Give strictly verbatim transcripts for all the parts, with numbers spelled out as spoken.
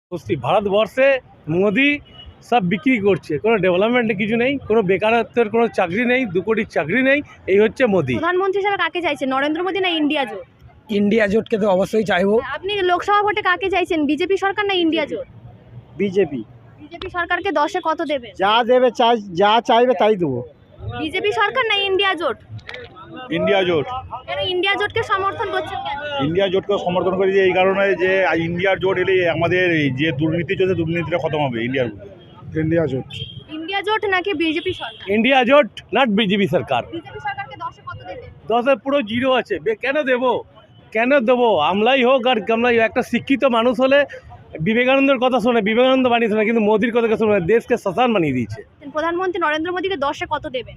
বুঝছি ভারতবর্ষে মোদি সব বিক্রি করছে, কোনো ডেভেলপমেন্ট কিছু নেই, কোনো বেকারত্বের কোনো চাকরি নেই, দু কোটির চাকরি নেই। এই হচ্ছে মোদি। প্রধানমন্ত্রী হিসেবে কাকে চাইছেন, নরেন্দ্র মোদী না ইন্ডিয়া জোট? ইন্ডিয়া জোটকে তো অবশ্যই চাইবো। আপনি লোকসভা ভোটে কাকে চাইছেন, বিজেপি সরকার না ইন্ডিয়া জোট? বিজেপি। বিজেপি সরকারকে দশে কত দেবেন? যা দেবে চাই, যা চাইবে তাই দেবো। বিজেপি সরকার না ইন্ডিয়া জোট? ইন্ডিয়া জোট। কেন ইন্ডিয়া জোটকে সমর্থন করছেন কেন? ইন্ডিয়া জোটকে সমর্থন করি যে এই কারণে যে ইন্ডিয়ার জোট এলে আমাদের এই যে দুর্নীতি চলছে দুর্নীতিটা খতম হবে। ইন্ডিয়ার ইন্ডিয়া জোট। ইন্ডিয়া জোট নাকি বিজেপি সরকার? ইন্ডিয়া জোট নট বিজেপি সরকার। বিজেপি সরকারকে দশে কত দেবেন? দশে পুরো জিরো আছে। বে- কেন দেবো কেন দেবো আমলাই হোক আর কামলাই হোক, একটা শিক্ষিত মানুষ হলে বিবেকানন্দের কথা শোনে, বিবেকানন্দ বানিয়ে শোনে, কিন্তু মোদির কথা শোনে, দেশকে শ্মশান বানিয়ে দিয়েছে। প্রধানমন্ত্রী নরেন্দ্র মোদীকে দশে কত দেবেন?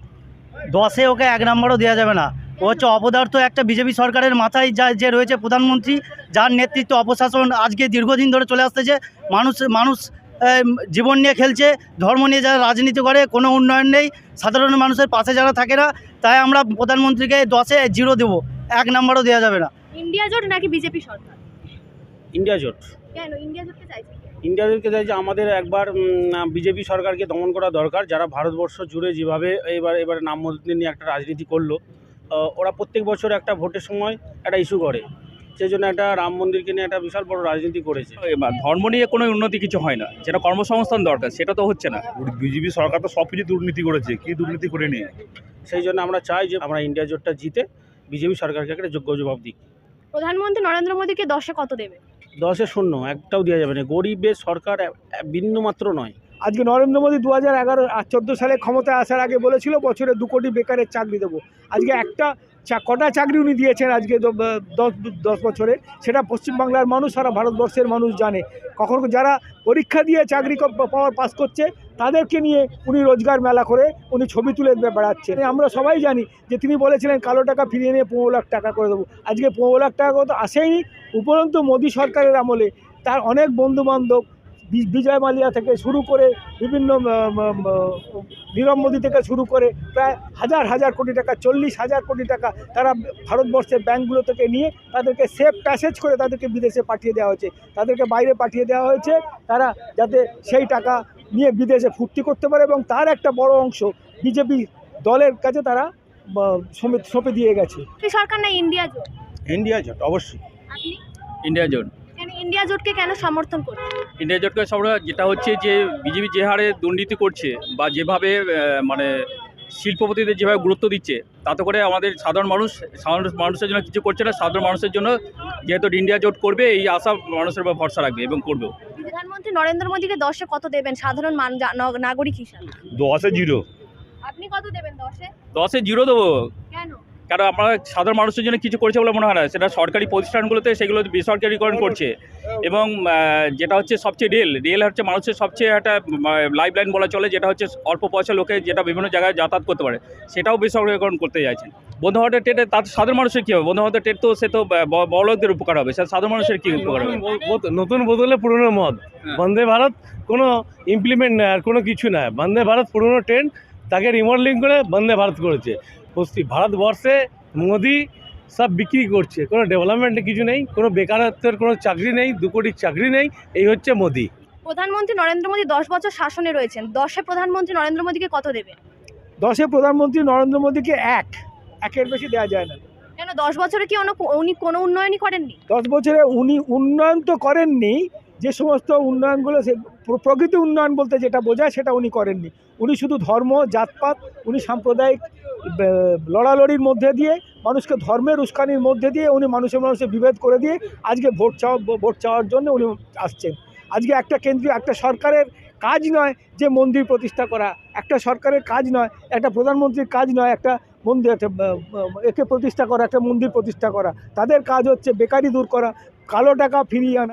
দশে ওকে এক নম্বরও দেওয়া যাবে না। ও হচ্ছে অপদার্থ একটা বিজেপি সরকারের মাথায় যা যে রয়েছে প্রধানমন্ত্রী, যার নেতৃত্ব অপশাসন আজকে দীর্ঘদিন ধরে চলে আসতেছে। মানুষ মানুষ আহ, জীবন নিয়ে খেলছে, ধর্ম নিয়ে যারা রাজনীতি করে, কোনো উন্নয়ন নেই, সাধারণ মানুষের পাশে যারা থাকে না। তাই আমরা প্রধানমন্ত্রীকে দশে জিরো দেবো, এক নম্বরও দেওয়া যাবে না। ইন্ডিয়া জোট নাকি বিজেপি সরকার? ইন্ডিয়া জোট। কেন ইন্ডিয়া জোটকে চাইছেন? ইন্ডিয়া জোটকে চাইছে আমাদের একবার বিজেপি সরকারকে দমন করা দরকার। যারা ভারতবর্ষ জুড়ে যেভাবে এবার এবারে নাম মসজিদ নিয়ে একটা রাজনীতি করলো, আহ, ওরা প্রত্যেক বছর একটা ভোটের সময় একটা ইস্যু করে, সেই জন্য একটা রাম মন্দিরকে নিয়ে একটা বিশাল বড় রাজনীতি করেছে। এবার ধর্ম নিয়ে কোনো উন্নতি কিছু হয় না, যেটা কর্মসংস্থান দরকার সেটা তো হচ্ছে না। বিজেপি সরকার তো সব কিছু দুর্নীতি করেছে, কি দুর্নীতি করেনি? সেই জন্য আমরা চাই যে আমরা ইন্ডিয়া জোটটা জিতে বিজেপি সরকারকে একটা যোগ্য জবাব দিই। প্রধানমন্ত্রী নরেন্দ্র মোদীকে দশে কত দেবে? দশে শূন্য, একটাও দেওয়া যাবে না। গরিবের সরকার বিন্দুমাত্র নয়। আজকে নরেন্দ্র মোদী দু হাজার এগারো আর চোদ্দো সালে ক্ষমতায় আসার আগে বলেছিল বছরে দু কোটি বেকারের চাকরি দেবো। আজকে একটা চা- কটা চাকরি উনি দিয়েছেন আজকে দ- দশ দশ বছরে, সেটা পশ্চিমবাংলার মানুষ, সারা ভারতবর্ষের মানুষ জানে। কখনো যারা পরীক্ষা দিয়ে চাকরি ক- পাওয়ার পাস করছে তাদেরকে নিয়ে উনি রোজগার মেলা করে উনি ছবি তুলে বে- বেড়াচ্ছেন। আমরা সবাই জানি যে তিনি বলেছিলেন কালো টাকা ফিরিয়ে নিয়ে পনেরো লাখ টাকা করে দেবো। আজকে পনেরো লাখ টাকা তো আসেইনি। উপরন্তু মোদী সরকারের আমলে তার অনেক বন্ধুবান্ধব, বি- বিজয় মালিয়া থেকে শুরু করে বিভিন্ন আহ, আহ, নীরব মোদী থেকে শুরু করে প্রায় হাজার হাজার কোটি টাকা, চল্লিশ হাজার কোটি টাকা তারা ভারতবর্ষের ব্যাঙ্কগুলো থেকে নিয়ে তাদেরকে সেফ প্যাসেজ করে তাদেরকে বিদেশে পাঠিয়ে দেওয়া হয়েছে, তাদেরকে বাইরে পাঠিয়ে দেওয়া হয়েছে, তারা যাতে সেই টাকা নিয়ে বিদেশে ফুর্তি করতে পারে, এবং তার একটা বড় অংশ বিজেপি দলের কাছে তারা আহ, সমেত সঁপে দিয়ে গেছে। বিজেপি সরকার না ইন্ডিয়া জোট? ইন্ডিয়া জোট অবশ্যই। আপনি ইন্ডিয়া জোট। কেন ইন্ডিয়া জোটকে কেন সমর্থন করছেন? ইন্ডিয়া জোটকে সব যেটা হচ্ছে যে বিজেপি যে হারে দুর্নীতি করছে বা যেভাবে আহ, মানে শিল্পপতিদের যেভাবে গুরুত্ব দিচ্ছে, তাতে করে আমাদের সাধারণ মানুষ সাধারণ মানুষের জন্য কিছু করছে না। সাধারণ মানুষের জন্য যেহেতু ইন্ডিয়া জোট করবে, এই আশা মানুষের উপর ভরসা রাখবে এবং করবেও। প্রধানমন্ত্রী নরেন্দ্র মোদীকে দশে কত দেবেন সাধারণ মান- জা- ন- নাগরিক হিসাবে? দশে জিরো। আপনি কত দেবেন দশে? দশে জিরো দেবো, কেন? কারণ আমরা সাধারণ মানুষের জন্য কিছু করেছে বলে মনে হয় না। সেটা সরকারি প্রতিষ্ঠানগুলোতে সেগুলো বেসরকারিকরণ করছে, এবং আহ, যেটা হচ্ছে সবচেয়ে রেল রেল হচ্ছে মানুষের সবচেয়ে একটা লাইফ লাইন বলা চলে, যেটা হচ্ছে অল্প পয়সা লোকে যেটা বিভিন্ন জায়গায় যাতায়াত করতে পারে, সেটাও বেসরকারিকরণ করতে চাইছেন। বন্ধু ভারতের ট্রেনে তার সাধারণ মানুষের কী হবে? বন্ধু ভারতের ট্রেন তো সে তো ব- বড়লোকদের উপকার হবে, সে সাধারণ মানুষের কী উপকার হবে? নতুন বোত- নতুন বদলে পুরনো মদ। বন্দে ভারত কোনো ইমপ্লিমেন্ট নেই, আর কোনো কিছু নয়। বন্দে ভারত পুরনো ট্রেন, তাকে রিমডেলিং করে বন্দে ভারত করেছে। পশ্চিম ভারতবর্ষে মোদি সব বিক্রি করছে, কোনো ডেভেলপমেন্ট কিছু নেই, কোনো বেকারত্বের কোনো চাকরি নেই, দু কোটির চাকরি নেই। এই হচ্ছে মোদি। প্রধানমন্ত্রী নরেন্দ্র মোদী দশ বছর শাসনে রয়েছেন, দশে প্রধানমন্ত্রী নরেন্দ্র মোদীকে কত দেবেন? দশে প্রধানমন্ত্রী নরেন্দ্র মোদীকে এক একের বেশি দেওয়া যায় না। কেন দশ বছরে কি অন্য- উনি কোনো উন্নয়নই করেননি? দশ বছরে উনি উন্নয়ন তো করেননি, যে সমস্ত উন্নয়নগুলো সে প্র- প্রকৃত উন্নয়ন বলতে যেটা বোঝায় সেটা উনি করেননি। উনি শুধু ধর্ম, জাতপাত, উনি সাম্প্রদায়িক বে- লড়ালড়ির মধ্যে দিয়ে, মানুষকে ধর্মের উস্কানির মধ্যে দিয়ে উনি মানুষের মানুষের বিভেদ করে দিয়ে আজকে ভোট চাওয়া ভোট চাওয়ার জন্য উনি আসছেন। আজকে একটা কেন্দ্রীয় একটা সরকারের কাজ নয় যে মন্দির প্রতিষ্ঠা করা, একটা সরকারের কাজ নয়, একটা প্রধানমন্ত্রীর কাজ নয় একটা মন্দির একটা আহ, একে প্রতিষ্ঠা করা, একটা মন্দির প্রতিষ্ঠা করা। তাদের কাজ হচ্ছে বেকারি দূর করা, কালো টাকা ফিরিয়ে আনা।